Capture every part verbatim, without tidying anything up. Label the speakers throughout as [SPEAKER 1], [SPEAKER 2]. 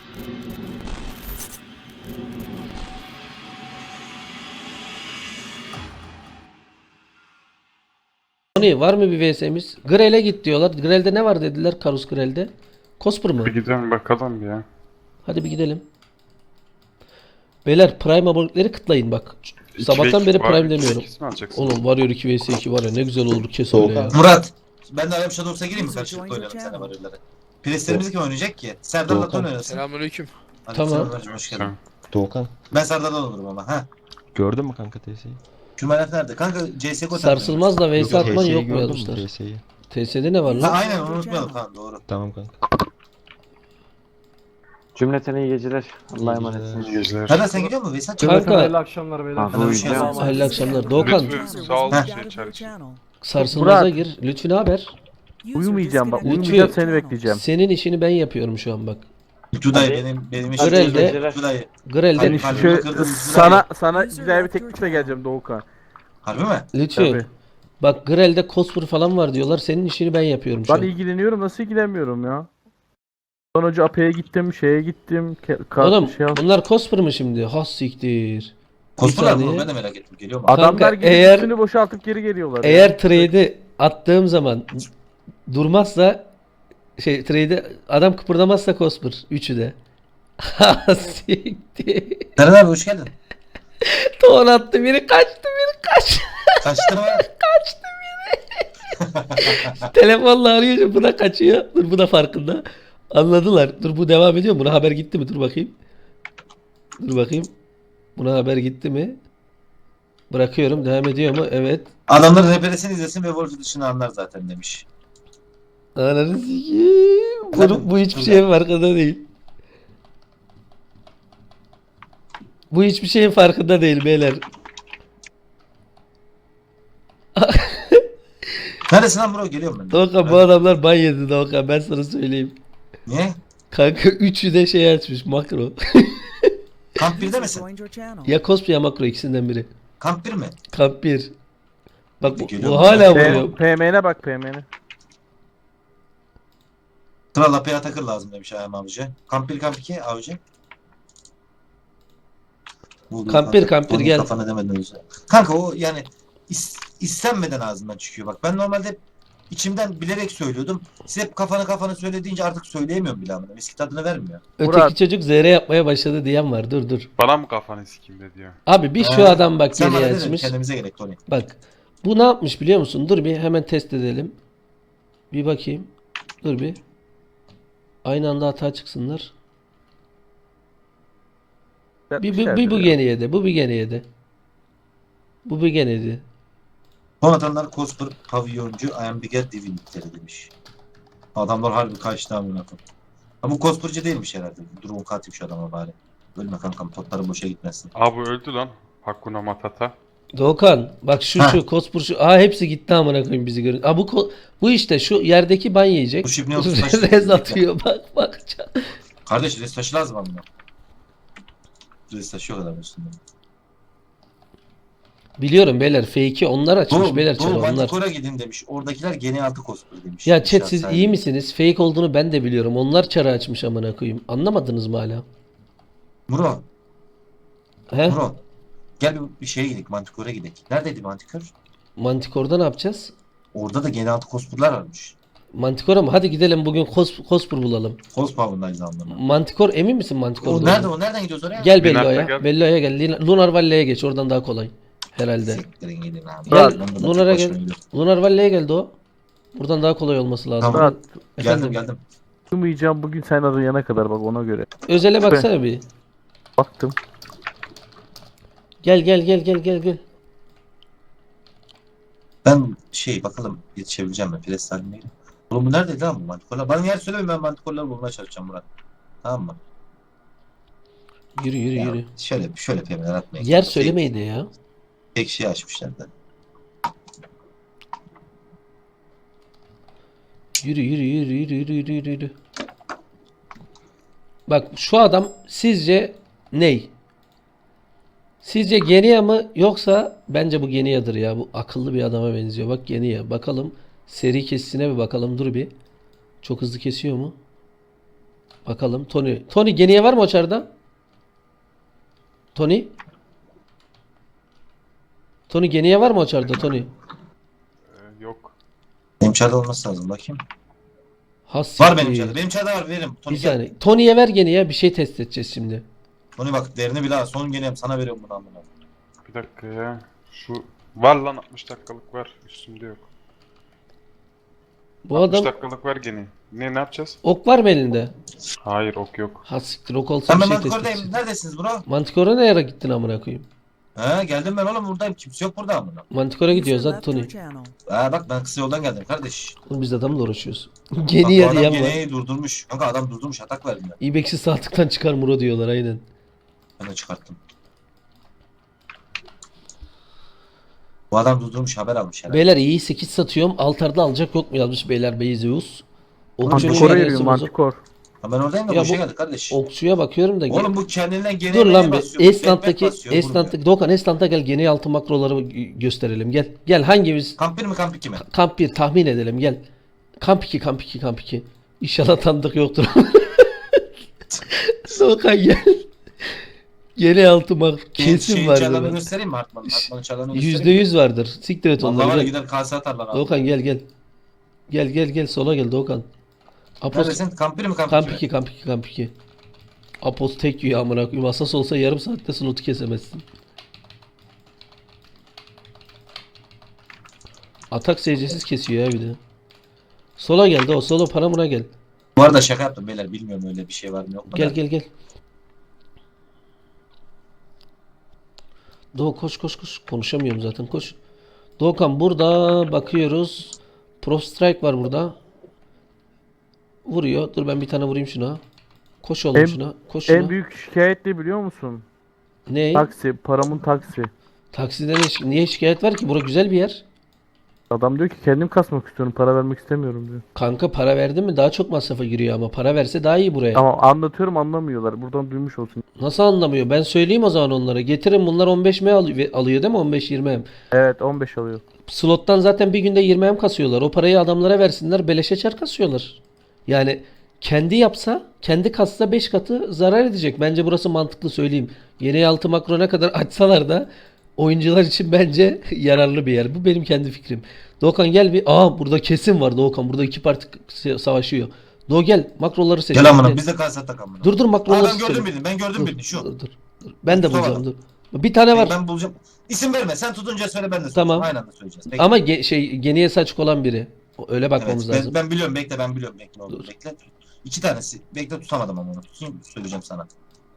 [SPEAKER 1] Tony var mı bir V S'miz? Grel'e git diyorlar. Grel'de ne var dediler Karus Grel'de. Cosper mı?
[SPEAKER 2] Bir gidelim bakalım ya.
[SPEAKER 1] Hadi bir gidelim. Beyler Prime abonelikleri kıtlayın bak. Sabahtan beri Prime demiyorum. Oğlum Warrior iki vs iki var ya ne güzel olur kes öyle ya.
[SPEAKER 3] Murat. Ben de Arap Shadows'a gireyim mi? Karşılıklı oynayalım sana Warrior'ları. Preslerimiz kim oynayacak ki? Serdar'la Ton oynasın.
[SPEAKER 4] Selamünaleyküm.
[SPEAKER 1] Tamam.
[SPEAKER 3] Selamünaleyküm, hoş geldin.
[SPEAKER 5] Doğukan.
[SPEAKER 3] Ben Serdar'dan olurum ama ha.
[SPEAKER 5] Gördün mü kanka T S'yi?
[SPEAKER 3] Kümelef nerede? Kanka C S G O
[SPEAKER 1] Sarsılmaz da V S atman yok mu
[SPEAKER 5] gördün mü
[SPEAKER 1] yazmışlar.
[SPEAKER 5] T S'yi?
[SPEAKER 1] T S'de ne var
[SPEAKER 3] Ha
[SPEAKER 1] lan?
[SPEAKER 3] aynen onu unutmayalım tamam doğru.
[SPEAKER 5] Tamam kanka.
[SPEAKER 6] Cümleten iyi geceler. Allah'a emanetsiniz.
[SPEAKER 2] İyi geceler.
[SPEAKER 3] Serdar sen gidiyor musun? Veysel çok.
[SPEAKER 1] Kanka
[SPEAKER 7] Hayırlı akşamlar beyler.
[SPEAKER 6] Ah,
[SPEAKER 3] Ben de bir
[SPEAKER 6] bu
[SPEAKER 3] şey
[SPEAKER 6] yüzden-
[SPEAKER 3] yapamam.
[SPEAKER 1] hayırlı akşamlar. Doğukan
[SPEAKER 2] Lütfü sağ ol
[SPEAKER 3] Heh.
[SPEAKER 2] şey içer.
[SPEAKER 1] sarsılmaza
[SPEAKER 7] Murat.
[SPEAKER 1] gir. Lütfü ne haber?
[SPEAKER 7] Uyumayacağım bak.
[SPEAKER 1] Lütfü.
[SPEAKER 7] Uyumayacağım seni bekleyeceğim.
[SPEAKER 1] Senin işini ben yapıyorum şu an bak.
[SPEAKER 3] Lütfü dayı
[SPEAKER 6] Hadi.
[SPEAKER 3] benim benim işim.
[SPEAKER 1] Grel'de-
[SPEAKER 3] Lütfü dayı.
[SPEAKER 1] Grel'de
[SPEAKER 3] Hadi.
[SPEAKER 7] Seni
[SPEAKER 3] Kalbimi
[SPEAKER 7] şu
[SPEAKER 3] kırdın, Lütfü
[SPEAKER 7] sana sana güzel bir teklifle geleceğim Doğukan.
[SPEAKER 3] Harbi mi?
[SPEAKER 1] Lütfü.
[SPEAKER 7] Tabii.
[SPEAKER 1] Bak Grel'de Cosper falan var diyorlar. Senin işini ben yapıyorum şu
[SPEAKER 7] Ben
[SPEAKER 1] an.
[SPEAKER 7] ilgileniyorum nasıl ilgilenmiyorum ya. Son önce A P'ye gittim, şeye gittim. Ke- kart
[SPEAKER 1] Oğlum
[SPEAKER 7] şey al-
[SPEAKER 1] bunlar Cosper mı şimdi? Has siktir.
[SPEAKER 3] Kosturlar
[SPEAKER 1] saniye.
[SPEAKER 3] mı? Ben de merak ettim. Geliyor mu?
[SPEAKER 7] Adamlar
[SPEAKER 1] Kanka,
[SPEAKER 7] gidip
[SPEAKER 1] eğer-
[SPEAKER 7] üstünü boşaltıp geri geliyorlar. ya.
[SPEAKER 1] Eğer trade'i attığım zaman durmazsa şey trade'i adam kıpırdamazsa Cosper. Üçü de. Ha siktir.
[SPEAKER 3] Serdar abi hoş geldin.
[SPEAKER 1] Ton attı biri kaçtı biri kaç.
[SPEAKER 3] Kaçtın mı?
[SPEAKER 1] Telefonla arıyor bu da kaçıyor. Dur bu da farkında. Anladılar. Dur bu devam ediyor mu? Buna haber gitti mi? Dur bakayım. Dur bakayım. Buna haber gitti mi? Bırakıyorum. Devam ediyor mu? Evet.
[SPEAKER 3] Adamların reperesini izlesin ve Wolf'u dışını anlar zaten demiş.
[SPEAKER 1] Ananı sikeyim. Bu, bu hiçbir şeyin farkında değil. Bu hiçbir şeyin farkında değil beyler.
[SPEAKER 3] Neredesin lan bro? Geliyorum ben.
[SPEAKER 1] Doğukan bu adamlar ban yedi Doğukan ben sana söyleyeyim.
[SPEAKER 3] Niye?
[SPEAKER 1] Kanka üçü de şey açmış makro.
[SPEAKER 3] Kamp birde misin?
[SPEAKER 1] Ya cosplay ya makro ikisinden biri.
[SPEAKER 3] Kamp bir mi?
[SPEAKER 1] Kamp bir. Bak bu,
[SPEAKER 3] Geliyor
[SPEAKER 1] bu
[SPEAKER 3] mu?
[SPEAKER 1] hala
[SPEAKER 7] P-
[SPEAKER 1] vuruyor.
[SPEAKER 7] P M N'e bak P M N'e.
[SPEAKER 3] Kral Apya Takır lazım demiş Ayhan abici. Kamp bir kamp iki abici. Bulduğu
[SPEAKER 1] Kamp bir,
[SPEAKER 3] kanka,
[SPEAKER 1] kamp bir,
[SPEAKER 3] onun
[SPEAKER 1] gel.
[SPEAKER 3] Kafana demeden önce. Kanka o yani is, istenmeden ağzından çıkıyor bak. Ben normalde hep içimden bilerek söylüyordum. Siz hep kafanı kafanı söylediğince artık söyleyemiyorum bile amına. Eski tadını vermiyor.
[SPEAKER 1] Öteki
[SPEAKER 7] Murat.
[SPEAKER 1] çocuk Z R yapmaya başladı diyen var. Dur dur.
[SPEAKER 2] Bana mı kafanı sikeyim de diyor.
[SPEAKER 1] Abi bir şu
[SPEAKER 3] Ha,
[SPEAKER 1] adam bak
[SPEAKER 3] Sen
[SPEAKER 1] geriye
[SPEAKER 3] bana dedin
[SPEAKER 1] açmış.
[SPEAKER 3] kendimize gerek Tony.
[SPEAKER 1] Bak. Bu ne yapmış biliyor musun? Dur bir hemen test edelim. Bir bakayım. Dur bir. Aynı anda hata çıksınlar. Bir, bir, bir bu gene yedi. Bu bir gene yedi. Bu bir gene yedi.
[SPEAKER 3] Son atanlar Cosper, Pavyoncu, I am Bigger Divinitleri demiş. Adamlar harbi kaçtı amına koyayım. Ama bu Cosper'cı değilmiş herhalde. Durun katip şu adama bari. Ölme kankam potları boşa gitmesin.
[SPEAKER 2] Abi öldü lan. Hakuna Matata.
[SPEAKER 1] Doğukan bak şu
[SPEAKER 3] Ha.
[SPEAKER 1] şu Kospur şu. Aa hepsi gitti amına koyayım bizi görün. Aa bu ko- bu işte şu yerdeki ban yiyecek.
[SPEAKER 3] Bu şip ne oldu? Saçma.
[SPEAKER 1] Rez atıyor bak bak.
[SPEAKER 3] Kardeş res taşı lazım amına. Res taşı yok adam üstünde.
[SPEAKER 1] Biliyorum beyler fake'i onlar açmış
[SPEAKER 3] Doğru,
[SPEAKER 1] beyler
[SPEAKER 3] doğru
[SPEAKER 1] çarı onlar.
[SPEAKER 3] Manticore'a gidin demiş. Oradakiler gene altı Cosper demiş.
[SPEAKER 1] Ya chat
[SPEAKER 3] İnşaat
[SPEAKER 1] siz
[SPEAKER 3] sahibi.
[SPEAKER 1] iyi misiniz? Fake olduğunu ben de biliyorum. Onlar çarı açmış amına koyayım. Anlamadınız mı hala?
[SPEAKER 3] Muro,
[SPEAKER 1] He?
[SPEAKER 3] Muro. Gel bir, bir şeye gidelim. Manticore'a gidelim. Neredeydi Manticore?
[SPEAKER 1] Manticore'da ne yapacağız?
[SPEAKER 3] Orada da gene altı Cosper'lar varmış.
[SPEAKER 1] Manticore'a mı? Hadi gidelim bugün Cos Cospur bulalım.
[SPEAKER 3] Cospower'dayız anlamına.
[SPEAKER 1] Manticore emin misin Manticore'da?
[SPEAKER 3] O nerede
[SPEAKER 1] olduğunu?
[SPEAKER 3] o? Nereden gidiyoruz oraya?
[SPEAKER 1] Gel
[SPEAKER 2] Linart'ta
[SPEAKER 1] Bello'ya.
[SPEAKER 2] gel.
[SPEAKER 1] Bello'ya gel. Lin- Lunar Valley'e geç. Oradan daha kolay. Herhalde.
[SPEAKER 3] Siktirin gidin abi.
[SPEAKER 1] Gel,
[SPEAKER 3] Ben buradan
[SPEAKER 1] Lunar'a
[SPEAKER 3] tek
[SPEAKER 1] gel.
[SPEAKER 3] başıma gidiyorum.
[SPEAKER 1] Lunar Valley'e geldi o. Buradan daha kolay olması lazım.
[SPEAKER 3] Tamam.
[SPEAKER 7] Murat
[SPEAKER 1] Efendim?
[SPEAKER 3] Geldim geldim.
[SPEAKER 7] uyumayacağım bugün sen arayana kadar bak ona göre.
[SPEAKER 1] Özele baksana bir.
[SPEAKER 7] Baktım.
[SPEAKER 1] Gel gel gel gel gel gel.
[SPEAKER 3] Ben şey bakalım yetişebileceğim mi? Pres haline gireyim. Oğlum bu neredeydi lan bu Manticore'lar? Bana yer söylemeyin ben Manticore'ları bulmaya çalışacağım Murat. Tamam mı?
[SPEAKER 1] Yürü yürü
[SPEAKER 3] Ya,
[SPEAKER 1] yürü.
[SPEAKER 3] şöyle şöyle peymeler atmayın.
[SPEAKER 1] Yer
[SPEAKER 3] Tek-
[SPEAKER 1] söylemeyin de ya.
[SPEAKER 3] Tek şey açmışlar da.
[SPEAKER 1] Yürü yürü yürü yürü yürü yürü yürü yürü. Bak şu adam sizce ney? Sizce Genia mı yoksa bence bu Genia'dır ya. Bu akıllı bir adama benziyor. Bak Genia. Bakalım seri kesisine bir bakalım. Dur bir. Çok hızlı kesiyor mu? Bakalım Tony. Tony geniye var mı o çarda? Tony? Tony geniye var mı o çarda Tony?
[SPEAKER 2] Ee, yok.
[SPEAKER 3] Benim çarda olması lazım bakayım.
[SPEAKER 1] Has
[SPEAKER 3] Var benim
[SPEAKER 1] siktir.
[SPEAKER 3] çarda. Benim çarda var veririm. Tony
[SPEAKER 1] Bir
[SPEAKER 3] gel.
[SPEAKER 1] saniye. Tony'ye ver geniye bir şey test edeceğiz şimdi.
[SPEAKER 3] Tony bak değerini bile al. Son geleyim sana veriyorum bunu amına.
[SPEAKER 2] Bir dakika ya. Şu var lan altmış dakikalık var. Üstümde yok.
[SPEAKER 1] Bu
[SPEAKER 2] altmış
[SPEAKER 1] adam
[SPEAKER 2] dakikalık var gene. Ne ne yapacağız?
[SPEAKER 1] ok var mı elinde?
[SPEAKER 2] Hayır ok yok.
[SPEAKER 1] Ha siktir ok olsa
[SPEAKER 3] Ben
[SPEAKER 1] bir
[SPEAKER 3] ben
[SPEAKER 1] şey test
[SPEAKER 3] Manticore'dayım.
[SPEAKER 1] edeceğiz.
[SPEAKER 3] Neredesiniz bro?
[SPEAKER 1] Manticore'a ne yere gittin amına koyayım?
[SPEAKER 3] He geldim ben oğlum buradayım. Kimse yok burada amına.
[SPEAKER 1] Manticore'a gidiyoruz
[SPEAKER 4] User
[SPEAKER 1] hadi
[SPEAKER 4] left
[SPEAKER 1] Tony.
[SPEAKER 4] your channel.
[SPEAKER 3] Ha bak ben kısa yoldan geldim kardeş.
[SPEAKER 1] Oğlum biz adamla uğraşıyoruz.
[SPEAKER 3] Bak bu
[SPEAKER 1] Geniye
[SPEAKER 3] adam
[SPEAKER 1] diyen var.
[SPEAKER 3] geneyi durdurmuş. Kanka adam durdurmuş atak verdim ben.
[SPEAKER 1] İbeksi sağlıktan çıkar Muro diyorlar aynen.
[SPEAKER 3] Ben de çıkarttım. Bu adam durdurmuş haber almış herhalde.
[SPEAKER 1] Beyler iyi sekiz satıyorum. Altarda alacak yok mu yazmış beyler Beyzeus. Okçunun
[SPEAKER 7] Manticore'a
[SPEAKER 1] yarısı
[SPEAKER 7] yürüyor
[SPEAKER 1] bozuk.
[SPEAKER 7] Manticore.
[SPEAKER 3] Ha ben oradayım da
[SPEAKER 1] Ya
[SPEAKER 3] boşa
[SPEAKER 1] bu-
[SPEAKER 3] geldi kardeş.
[SPEAKER 1] Okçuya bakıyorum da.
[SPEAKER 3] Oğlum bu kendinden gene
[SPEAKER 1] Dur lan bir.
[SPEAKER 3] basıyor.
[SPEAKER 1] Esnant'taki
[SPEAKER 3] Backpack basıyor, vurmuyor.
[SPEAKER 1] Esnant'taki Doğukan Esnant'a gel gene altı makroları gö- gösterelim. Gel. Gel hangimiz
[SPEAKER 3] Kamp bir mi kamp iki mi?
[SPEAKER 1] kamp bir tahmin edelim gel. Kamp iki kamp iki kamp iki. İnşallah tanıdık yoktur. Doğukan gel. Gene altı mak kesin
[SPEAKER 3] Şeyin
[SPEAKER 1] vardır.
[SPEAKER 3] çarlarını
[SPEAKER 1] bak.
[SPEAKER 3] göstereyim mi Hartman'ın? Hartman'ın çarlarını göstereyim
[SPEAKER 1] Yüzde
[SPEAKER 3] mi?
[SPEAKER 1] yüz vardır. Siktir et
[SPEAKER 3] Vallahi
[SPEAKER 1] onları.
[SPEAKER 3] var ya
[SPEAKER 1] Gel.
[SPEAKER 3] gider kase atarlar abi.
[SPEAKER 1] Doğukan gel gel. Gel gel gel sola gel Doğukan. Apos
[SPEAKER 3] Neredesin? Kamp bir mi kamp,
[SPEAKER 1] kamp
[SPEAKER 3] iki mi?
[SPEAKER 1] iki kamp iki kamp iki. Apos tek yiyor amına koyayım. Asas olsa yarım saatte slotu kesemezsin. Atak seyircisiz kesiyor ya bir de. Sola geldi o solo paramına gel.
[SPEAKER 3] Bu arada şaka yaptım beyler bilmiyorum öyle bir şey var mı yok mu?
[SPEAKER 1] Gel
[SPEAKER 3] da.
[SPEAKER 1] gel gel. Doğu koş koş koş. Konuşamıyorum zaten koş. Doğukan burada bakıyoruz. Pro Strike var burada. Vuruyor. Dur ben bir tane vurayım şuna. Koş oğlum
[SPEAKER 7] En-
[SPEAKER 1] şuna. Koş şuna.
[SPEAKER 7] En büyük şikayet ne biliyor musun?
[SPEAKER 1] Ne?
[SPEAKER 7] Taksi. Paramın taksi.
[SPEAKER 1] Taksiden ne- niye şikayet var ki? Bura güzel bir yer.
[SPEAKER 7] Adam diyor ki kendim kasmak istiyorum. Para vermek istemiyorum diyor.
[SPEAKER 1] Kanka para verdin mi daha çok masrafa giriyor ama para verse daha iyi buraya.
[SPEAKER 7] Ama anlatıyorum anlamıyorlar. Buradan duymuş olsun.
[SPEAKER 1] Nasıl anlamıyor? Ben söyleyeyim o zaman onlara. Getirin bunlar on beş M alıyor, alıyor değil mi? on beş yirmi M.
[SPEAKER 7] Evet on beş alıyor.
[SPEAKER 1] Slottan zaten bir günde yirmi M kasıyorlar. O parayı adamlara versinler beleşe çar kasıyorlar. Yani kendi yapsa, kendi kassa beş katı zarar edecek. Bence burası mantıklı söyleyeyim. Yeni altı makro ne kadar açsalar da oyuncular için bence yararlı bir yer. Bu benim kendi fikrim. Doğukan gel bir. Aa burada kesin var Doğukan. Burada iki parti s- savaşıyor. Doğu gel makroları seç.
[SPEAKER 3] Gel amına biz de kase atak amına.
[SPEAKER 1] Dur dur
[SPEAKER 3] Aa,
[SPEAKER 1] makroları
[SPEAKER 3] ben
[SPEAKER 1] seçelim.
[SPEAKER 3] gördüm birini ben gördüm
[SPEAKER 1] Dur,
[SPEAKER 3] birini şu.
[SPEAKER 1] dur, dur, dur. Ben de
[SPEAKER 3] Tutamadım.
[SPEAKER 1] bulacağım dur. Bir tane var.
[SPEAKER 3] Ben bulacağım. İsim verme sen tutunca söyle ben de söyleyeceğim.
[SPEAKER 1] Tamam.
[SPEAKER 3] Aynı anda söyleyeceğiz. Bekle.
[SPEAKER 1] Ama ge- şey geniye saçık olan biri. O- Öyle
[SPEAKER 3] Evet,
[SPEAKER 1] bakmamız
[SPEAKER 3] ben,
[SPEAKER 1] lazım.
[SPEAKER 3] ben biliyorum bekle ben biliyorum bekle oğlum
[SPEAKER 1] Dur.
[SPEAKER 3] bekle. İki tanesi. Bekle tutamadım ama onu. Tutayım söyleyeceğim sana.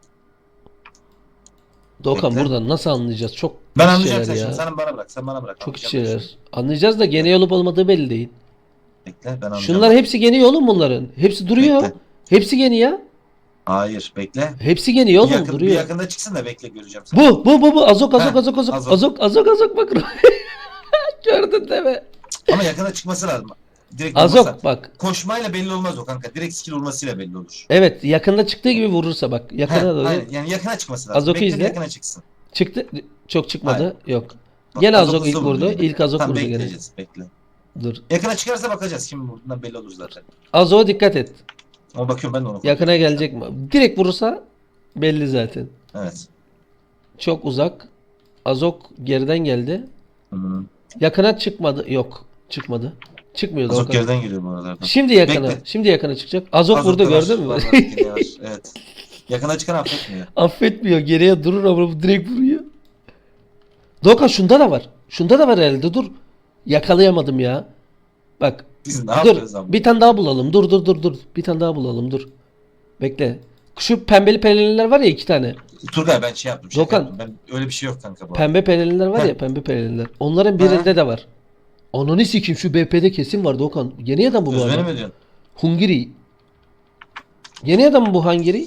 [SPEAKER 1] Doğukan
[SPEAKER 3] Bekle.
[SPEAKER 1] buradan nasıl anlayacağız? Çok
[SPEAKER 3] Ben
[SPEAKER 1] iç
[SPEAKER 3] anlayacağım
[SPEAKER 1] şeyler
[SPEAKER 3] sen
[SPEAKER 1] ya.
[SPEAKER 3] şimdi. Sen bana bırak. Sen bana bırak.
[SPEAKER 1] Çok iç
[SPEAKER 3] Anlayacağım ben
[SPEAKER 1] şeyler.
[SPEAKER 3] şimdi.
[SPEAKER 1] Anlayacağız da geniye olup olmadığı belli değil.
[SPEAKER 3] Bekle ben anlayacağım.
[SPEAKER 1] Şunlar hepsi geniye oğlum bunların. Hepsi duruyor.
[SPEAKER 3] Bekle.
[SPEAKER 1] Hepsi geni ya.
[SPEAKER 3] Hayır bekle.
[SPEAKER 1] Hepsi geniye
[SPEAKER 3] Bir,
[SPEAKER 1] oğlum
[SPEAKER 3] yakın, bir
[SPEAKER 1] duruyor.
[SPEAKER 3] yakında çıksın da bekle göreceğim seni.
[SPEAKER 1] Bu bu bu bu azok azok
[SPEAKER 3] Heh,
[SPEAKER 1] azok azok
[SPEAKER 3] azok.
[SPEAKER 1] azok azok azok bak. Gördün değil mi?
[SPEAKER 3] Ama yakında çıkması lazım. Direkt olmasa-
[SPEAKER 1] Azok bak.
[SPEAKER 3] Koşmayla belli olmaz o kanka. Direkt skill vurmasıyla belli olur.
[SPEAKER 1] Evet yakında çıktığı gibi vurursa bak. Yakına
[SPEAKER 3] Heh,
[SPEAKER 1] doğru.
[SPEAKER 3] aynen. Yani yakına çıkması lazım.
[SPEAKER 1] Azok'u
[SPEAKER 3] Bekle
[SPEAKER 1] izle.
[SPEAKER 3] yakına çıksın.
[SPEAKER 1] Çıktı. Çok çıkmadı. Yok.
[SPEAKER 3] Bak,
[SPEAKER 1] Gene
[SPEAKER 3] Azok
[SPEAKER 1] azok ilk
[SPEAKER 3] hızlı
[SPEAKER 1] vurdu.
[SPEAKER 3] vuruyor.
[SPEAKER 1] İlk azok
[SPEAKER 3] Tam
[SPEAKER 1] vurdu gene.
[SPEAKER 3] bekleyeceğiz. Bekle.
[SPEAKER 1] Dur.
[SPEAKER 3] Yakına çıkarsa bakacağız. Kim vurduğundan belli olur zaten.
[SPEAKER 1] Azok'a dikkat et.
[SPEAKER 3] Ama bakıyorum ben de onu.
[SPEAKER 1] Yakına gelecek mi? Direkt vurursa belli zaten.
[SPEAKER 3] Evet.
[SPEAKER 1] Çok uzak. Azok geriden geldi.
[SPEAKER 3] Hı.
[SPEAKER 1] Yakına çıkmadı. Yok. Çıkmadı. Çıkmıyordu.
[SPEAKER 3] Azok
[SPEAKER 1] o kadar.
[SPEAKER 3] geriden geliyor bu aralarda.
[SPEAKER 1] Şimdi yakına.
[SPEAKER 3] Bekle.
[SPEAKER 1] Şimdi yakına çıkacak. Azok
[SPEAKER 3] Azok'ta
[SPEAKER 1] vurdu
[SPEAKER 3] var,
[SPEAKER 1] gördün mü?
[SPEAKER 3] var, var, yine var. Evet. Yakına çıkan affetmiyor.
[SPEAKER 1] Affetmiyor. Geriye durur ama bu direkt vuruyor. Doka şunda da var. Şunda da var herhalde. Dur. Yakalayamadım ya. Bak.
[SPEAKER 3] Biz ne
[SPEAKER 1] Dur.
[SPEAKER 3] yapıyoruz ama?
[SPEAKER 1] Bir tane daha bulalım. Dur dur dur dur. Bir tane daha bulalım. Dur. Bekle. Şu pembeli pelerinler var ya iki tane.
[SPEAKER 3] Turgay ben şey yaptım. Şaka
[SPEAKER 1] Dokan.
[SPEAKER 3] yaptım. Ben öyle bir şey yok kanka bu. arada.
[SPEAKER 1] Pembe pelerinler var
[SPEAKER 3] Heh.
[SPEAKER 1] ya pembe pelerinler. Onların birinde de var. Ananı sikeyim şu B P'de kesin var Doğukan. Yeni adam bu bu
[SPEAKER 3] Özbeni
[SPEAKER 1] adam.
[SPEAKER 3] mi diyorsun?
[SPEAKER 1] Hungary. Yeni adam mı bu Hungary?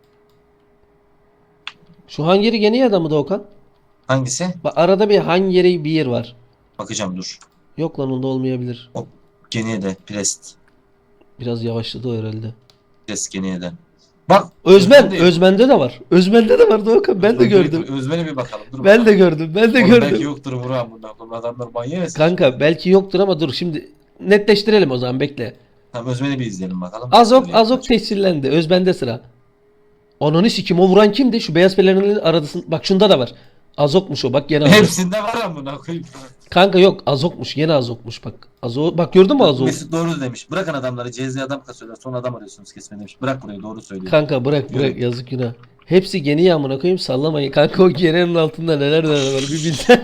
[SPEAKER 1] Şu Hungary yeni adam mı Doğukan?
[SPEAKER 3] Hangisi?
[SPEAKER 1] Bak arada bir Hungary bir yer var.
[SPEAKER 3] Bakacağım dur.
[SPEAKER 1] Yok lan onda olmayabilir.
[SPEAKER 3] Geniye de. Prest.
[SPEAKER 1] Biraz yavaşladı o herhalde.
[SPEAKER 3] Prest geniye de. Bak.
[SPEAKER 1] Özmen,
[SPEAKER 3] değil.
[SPEAKER 1] Özmen'de de var. Özmen'de de var Doğukan. Ben de
[SPEAKER 3] Dur,
[SPEAKER 1] gördüm.
[SPEAKER 3] dur, Özmen'e bir bakalım. Dur
[SPEAKER 1] Ben de
[SPEAKER 3] bakalım.
[SPEAKER 1] gördüm. Ben de
[SPEAKER 3] Oğlum
[SPEAKER 1] gördüm.
[SPEAKER 3] Belki yoktur Vural bundan. Bunun adamlar manyak mısın?
[SPEAKER 1] Kanka belki yoktur ama dur şimdi netleştirelim o zaman bekle.
[SPEAKER 3] Tamam Özmen'i bir izleyelim bakalım.
[SPEAKER 1] Azok
[SPEAKER 3] Böyle
[SPEAKER 1] Azok
[SPEAKER 3] yapacak.
[SPEAKER 1] tescillendi. Özben'de sıra. Ananı sikim, o vuran kimdi? Şu beyaz pelerinin aradısın. Bak şunda da var. Azokmuş o, bak gene Azok.
[SPEAKER 3] Hepsinde var amına koyayım.
[SPEAKER 1] Kanka yok, Azokmuş, yine Azokmuş bak. Azok, bak gördün mü Azok?
[SPEAKER 3] Mesut doğru demiş. Bırakın adamları. C Z adam kasıyorlar. Son adam arıyorsunuz kesme demiş. Bırak burayı doğru söylüyor.
[SPEAKER 1] Kanka bırak bırak,
[SPEAKER 3] Yürü.
[SPEAKER 1] yazık günah. Hepsi geni yağmına koyayım, sallamayın. Kanka o genenin altında neler neler var bir bilsen.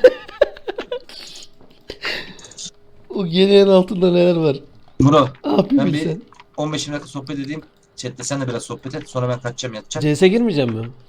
[SPEAKER 1] O genenin altında neler var.
[SPEAKER 3] Murat
[SPEAKER 1] Ah bir
[SPEAKER 3] ben bir
[SPEAKER 1] bilsen.
[SPEAKER 3] on beş dakika sohbet edeyim. Chat'te sen de biraz sohbet et. Sonra ben kaçacağım yatacağım.
[SPEAKER 1] C S'e girmeyeceğim mi?